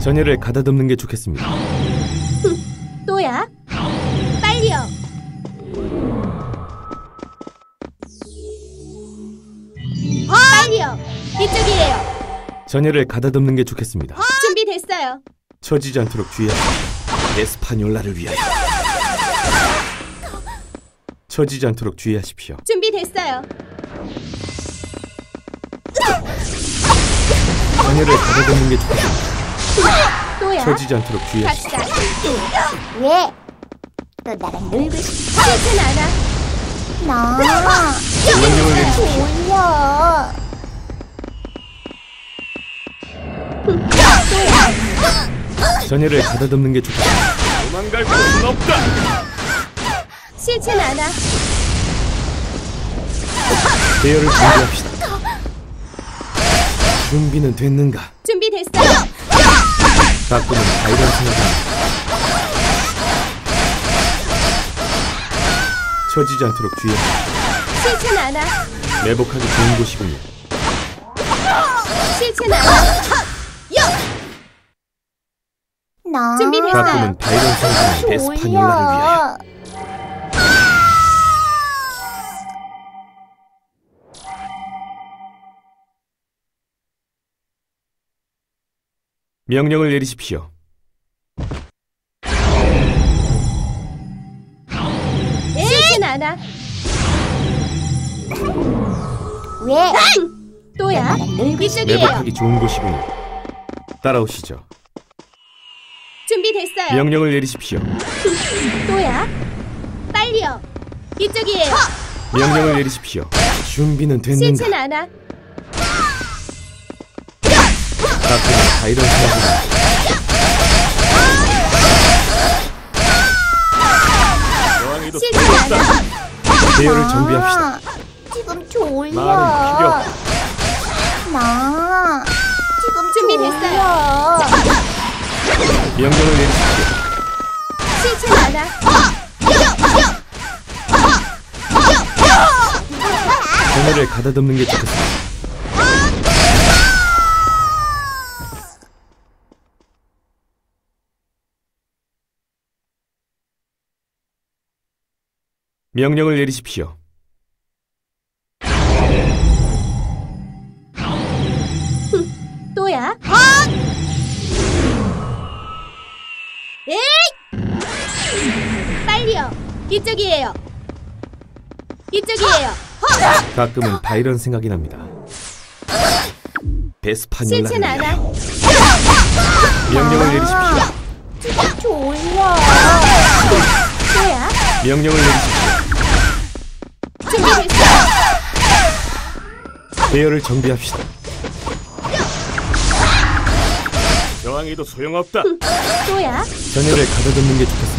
전열을 가다듬는 게 좋겠습니다. 또야? 빨리요. 빨리요. 이쪽이에요. 전열을 가다듬는 게 좋겠습니다. 준비됐어요. 처지지 않도록 주의하십시오. 에스파뇰라를 위하여. 처지지 않도록 주의하십시오. 준비됐어요. 전열을 가다듬는 게 좋겠습니다. 또야? 처지지 않도록 주의하십시오. 갑시다. 왜? 너 나랑 놀고 싶어? 싫진 않아. 나 명령을 내리십시오. 졸려. 전열을 가다듬는 게 좋겠습니다. 도망갈 곳은 없다. 싫진 않아. 대열을 준비합시다. 준비는 됐는가? 준비됐어요. 가끔은 바이런 생각입니다. 처지지 않도록 주의하십시오. 싫진 않아. 매복하기 좋은 곳이군요. 싫진 않아. 나 준비됐어요. 가끔은 바이런 생각입니다. 에스파뇰라를 위하여. 명령을 내리십시오. 싫진 않아. 왜? 또야? 나랑 놀고 싶어? 이쪽이에요. 매복하기 좋은 곳이군요. 따라오시죠. 준비됐어요. 명령을 내리십시오. 또야? 빨리요. 이쪽이에요. 명령을 내리십시오. 준비는 됐는가? 싫진 않아. 가끔은 바이런 생각입니다. 싫진 않아. 대열을 정비합시다. 지금 졸려. 말은 필요 없다. 나 지금 준비됐어요. 졸려. 명령을 내리십시오. 싫진 않아. 전열을 가다듬는 게 좋겠습니다. 명령을 내리십시오. 또야? 에이! 빨리요. 이쪽이에요. 이쪽이에요. 가끔은 바이런 생각이 납니다. 베스파뇰라를 싫진 않아. 위하여. 명령을 내리십시오. 지금 졸려. 또야? 명령을 내리십시오. 준비됐어요. 대열을 정비합시다. 저항해도 소용없다. 또야? 전열을 가다듬는 게 좋겠습니다.